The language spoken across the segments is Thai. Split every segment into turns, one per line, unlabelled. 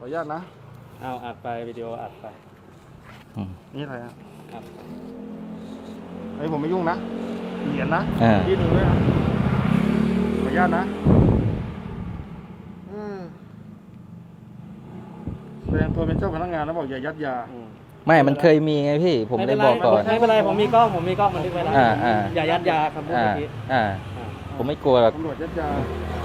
อนุญาตนะ
เอาอัดไปวิดีโออัดไป
นี่อะไรอ่ะ
ครับ
ไอ้ผมไม่ยุ่งนะเหรียญนะ
อ่า
ยื่นมือด้วยนะขออนุญาตนะแสดงตัวเป็นเจ้าพนักงานแล้วบอกอย่ายัดยา
ไม่มันเคยมีไงพี่ผมเลยบอกก่อน
ไม่เป็นไรผมมีกล้องบันทึกไว้แล้ว อย่ายัดยาคำพูด
อ่า
เมื่อกี้
ผมไม่กลัวหรอก
ตำรวจยัดยา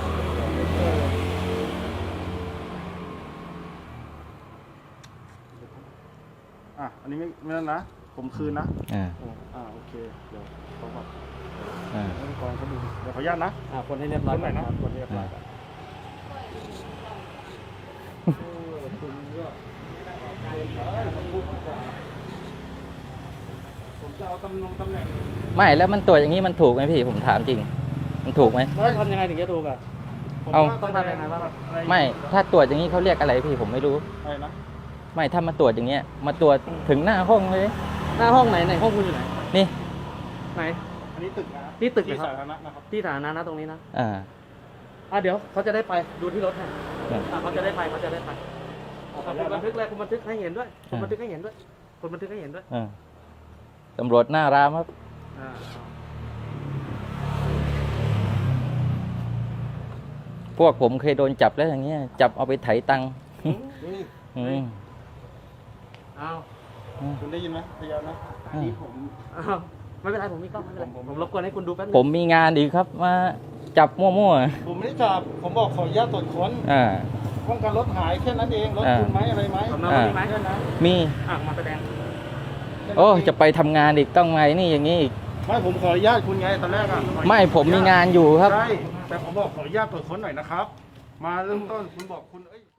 อันนี้ไม่นั่นนะผมคืนนะ โอเคเดี๋ยวเขาบอกให้กองเขาดูเดี๋ยวขออนุญาตนะ
คนให้เรียบร้อย
คนไหนนะ
คนให้เรียบร้อยก่อน
ผมจะเอาตำแหน่ง
ไม่แล้วมันตรวจอย่างนี้มันถูกไหมพี่ผมถามจริง มันถูกไหม
แล้วทำยังไงถึงจะถูกอ่ะ
เอา
ต้องทำยังไงบ้าง
ไม่ถ้าตรวจอย่างนี้เขาเรียกอะไรพี่ผมไม่รู้
อะไรนะ
ไม่ถ้ามาตรวจอย่างเงี้ยมาตรวจถึงหน้าห้องเลย
หน้าห้องไหนห้องคุณอยู่ไหน
นี่
ไหน
อันนี้ตึกนะ
ที่ตึก
ที่
นะครับ
สาธารณะนะครับ
ที่สาธารณะนะตรงนี้นะ
อ่า
เดี๋ยวเขาจะได้ไปดูที่รถให้เขาจะได้ไปคุณบันทึกเลยคุณบันทึกให้เห็นด้วยคุณบันทึกให้เห็นด้วยคุณบันทึกให้เห็นด้วย
ตำรวจหน้ารามครับพวกผมเคยโดนจับแล้วอย่างเงี้ยจับเอาไปไถตังค์
เอา
คุณได้ยินไหมพยานนะนี่ผม
ไม่เป็นไรผมมีกล้องไม่เป็นไรผมรบกวนให้คุณดูแป๊บนึง
ผมมีงานอีกครับมาจับมั่ว
ผมไม่ได้จับผมบอกขออนุญาตตรวจค้น
ๆ
ป้องกันรถหายแค่นั้นเองรถคุณไหมอะไรไหม
สำเนามีไหม
แค่นั้น
มี
มาแสดง
โอ้จะไปทำงานอีกต้องไงนี่อย่างนี้อีก
ไม่ผมขออนุญาตคุณไงตอนแรกอ่ะ
ไม่ผมมีงานอยู่ครับ
ใช่แต่ผมบอกขออนุญาตตรวจค้นหน่อยนะครับ มาเริ่มต้นคุณบอกคุณ